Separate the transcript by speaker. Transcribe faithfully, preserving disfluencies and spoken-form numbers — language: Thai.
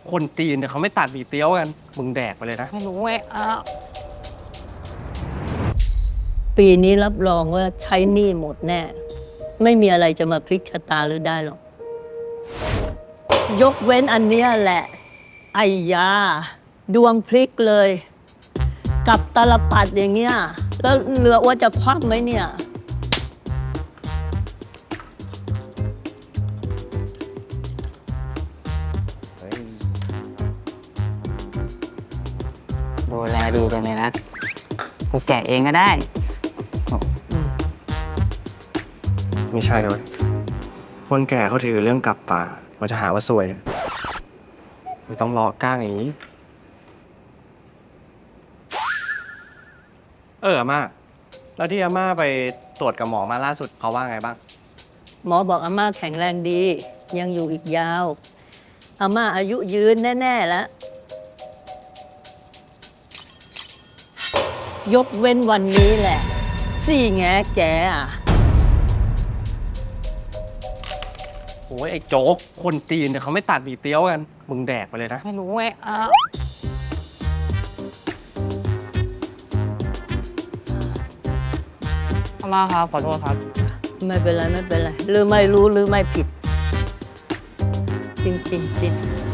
Speaker 1: คนจีนเนี่ยเขาไม่ตัดหมี่เตี๋ยวกันมึงแดกไปเลยนะ
Speaker 2: ไม่รู้ไงอ้าว
Speaker 3: ปีนี้รับรองว่าใช้หนี้หมดแน่ ไม่มีอะไรจะมาพลิกชะตาหรือได้หรอก ยกเว้นอันเนี้ยแหละ ไอ้ยา ดวงพลิกเลย กับตาลปัดอย่างเงี้ย แล้วเหลือว่าจะคว่ำไหมเนี่ย
Speaker 2: ดูแลดีจังเลยนะกูแกะเองก็ได้
Speaker 1: ไม่ใช่เลยคนแก่เขาถือเรื่องกลับป่ามันจะหาว่าซวยไม่ต้องรอก้างอย่างนี้เอออาม่าแล้วที่อาม่าไปตรวจกับหมอมาล่าสุดเขาว่าไงบ้าง
Speaker 3: หมอบอกอาม่าแข็งแรงดี ยังอยู่อีกยาว อาม่าอายุยืนแน่ ๆ แล้ว ยกเว้นวันนี้แหละ สี่แงแกอ่ะ
Speaker 1: โอ้ยไอ้โจ๊กคนจีนเนี่ยเขาไม่ตัดหมี่เตี๋ยวกันมึงแดกไปเลยนะ
Speaker 2: ไม่รู้ไงอ้าวอาม่าครับขอโทษครับ
Speaker 3: ไม่เป็นไร ไม่เป็นไร หรือไม่รู้หรือไม่ผิด จริงๆจริง